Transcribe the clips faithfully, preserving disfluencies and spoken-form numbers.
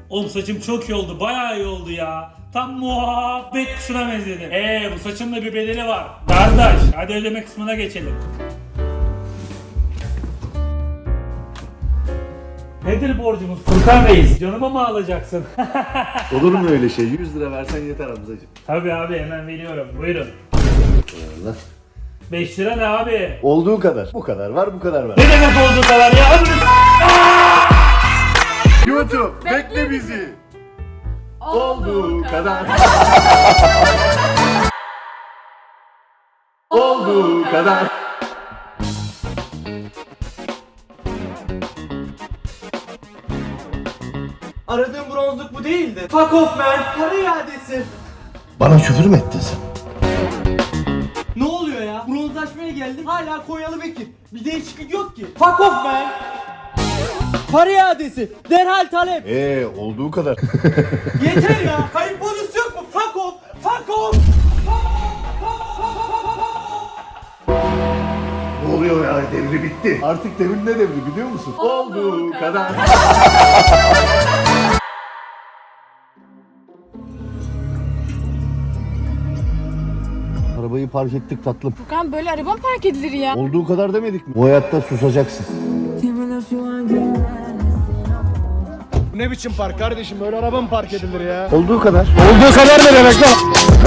Oğlum saçım çok iyi oldu, bayağı iyi oldu ya. Tam muhabbet kuşuna benzedi. Eee bu saçın da bir bedeli var. Kardeş hadi ödeme kısmına geçelim. Nedir borcumuz Furkan Reis? Canıma mı alacaksın? Olur mu öyle şey? yüz lira versen yeter Hamzacığım. Tabii abi hemen veriyorum. Buyurun. Allah. beş lira ne abi? Olduğu kadar. Bu kadar var, bu kadar var. Ne demek olduğu kadar ya? YouTube bekle bizi. Olduğu kadar. Olduğu kadar. Aradığım bronzluk bu değildi. Fuck off man. Para iadesi. Bana küfür mü ettin sen? Ne oluyor ya? Bronzlaşmaya geldim. Hala Konyalı Bekir. Bir değişiklik yok ki. Fuck off man. Para iadesi. Derhal talep. Eee olduğu kadar. Yeter ya. Kayıp bonus yok mu? Fuck off. Fuck off. Ne oluyor ya? Devri bitti. Artık devrin ne devri biliyor musun? Olduğu kadar. Arabayı park ettik tatlım. Furkan böyle araba mı park edilir ya? Olduğu kadar demedik mi? Bu hayatta susacaksın. Ne biçim park kardeşim, böyle araba mı park edilir ya? Olduğu kadar. Olduğu kadar ne demek lan?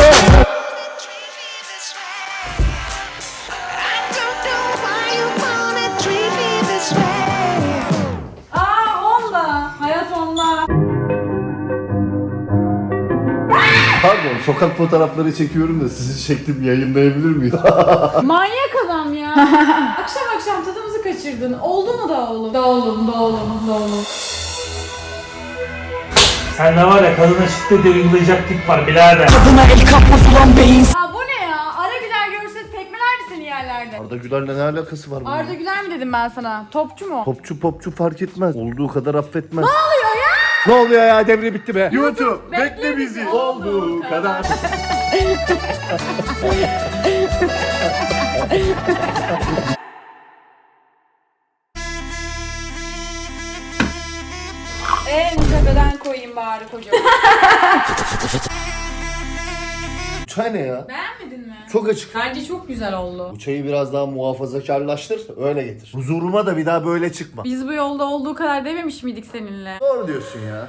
Aa onda. Hayat onda. Pardon, sokak fotoğrafları çekiyorum da sizi çektim, yayınlayabilir miyim? Manyak adam ya. akşam akşam tadımızı kaçırdın. Oldu mu da oğlum? Da oğlum, da oğlum, da oğlum. Sen ne var ya kadına şiddet uygulayacak tip var birader. Ha bu ne ya? Ara Güler görse tekmelerdi seni yerlerde. Arda Güler'le ne alakası var bunun? Arda Güler mi dedim ben sana? Topçu mu? Popçu popçu fark etmez. Olduğu kadar affetmez. Ne oluyor ya? Ne oluyor ya, devre bitti be. YouTube bekle bizi. Olduğu kadar. En tepeden koyayım bari kocaman. Çay ne ya? Beğenmedin mi? Çok açık. Bence çok güzel oldu. Bu çayı biraz daha muhafazakarlaştır, öyle getir. Huzuruma da bir daha böyle çıkma. Biz bu yolda olduğu kadar dememiş miydik seninle? Doğru diyorsun ya.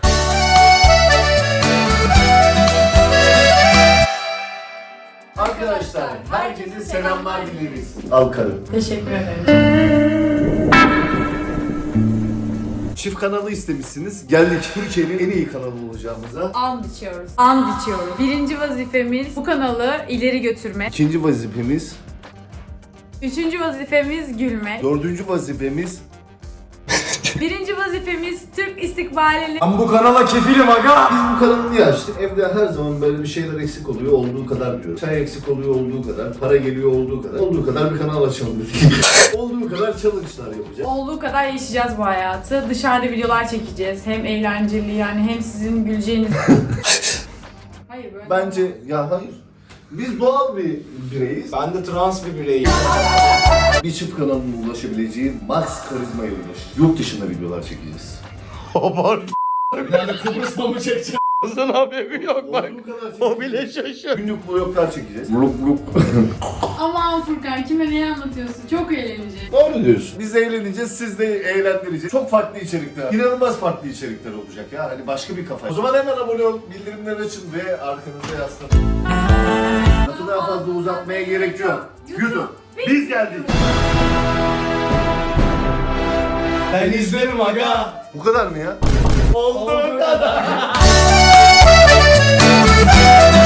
Arkadaşlar, herkese selamlar dileriz. Al karım. Teşekkür ederim. Çift kanalı istemişsiniz. Geldik Türkiye'nin en iyi kanalı olacağımıza. And içiyoruz. And içiyoruz. Birinci vazifemiz bu kanalı ileri götürmek. İkinci vazifemiz, Üçüncü vazifemiz gülmek. dördüncü vazifemiz. Birinci vazifemiz Türk istikbalini. Ben bu kanala kefilim aga. Biz bu kanalı niye açtık? Evde her zaman böyle bir şeyler eksik oluyor, olduğu kadar diyor. Çay eksik oluyor, olduğu kadar. Para geliyor, olduğu kadar. Olduğu kadar bir kanal açalım dedik. olduğu kadar challenge'lar yapacağız. Olduğu kadar yaşayacağız bu hayatı. Dışarıda videolar çekeceğiz. Hem eğlenceli yani hem sizin güleceğiniz. Hayır böyle. Bence, ya hayır. Biz doğal bir bireyiz. Ben de trans bir bireyim. Bir çift kanalına ulaşabileceği max karizmaya ulaşacağız. Yurt dışında videolar çekeceğiz. Abart. Yani Kıbrıs'ta mı çekeceğim? Sen haberin yok bak. O bile şaşır. Günlük vloglar çekeceğiz. Vlog vlog. Aman Furkan kime neyi anlatıyorsun? Çok eğlenceli. Doğru diyorsun. Biz eğleneceğiz, siz de eğlendireceğiz. Çok farklı içerikler, inanılmaz farklı içerikler olacak ya. Hani başka bir kafa. O zaman hemen abone ol, bildirimleri açın ve arkanıza yaslanın. Lafı daha fazla uzatmaya gerek yok. YouTube, biz geldik. Ben izlerim aga. Bu kadar mı ya? Olduğu kadar.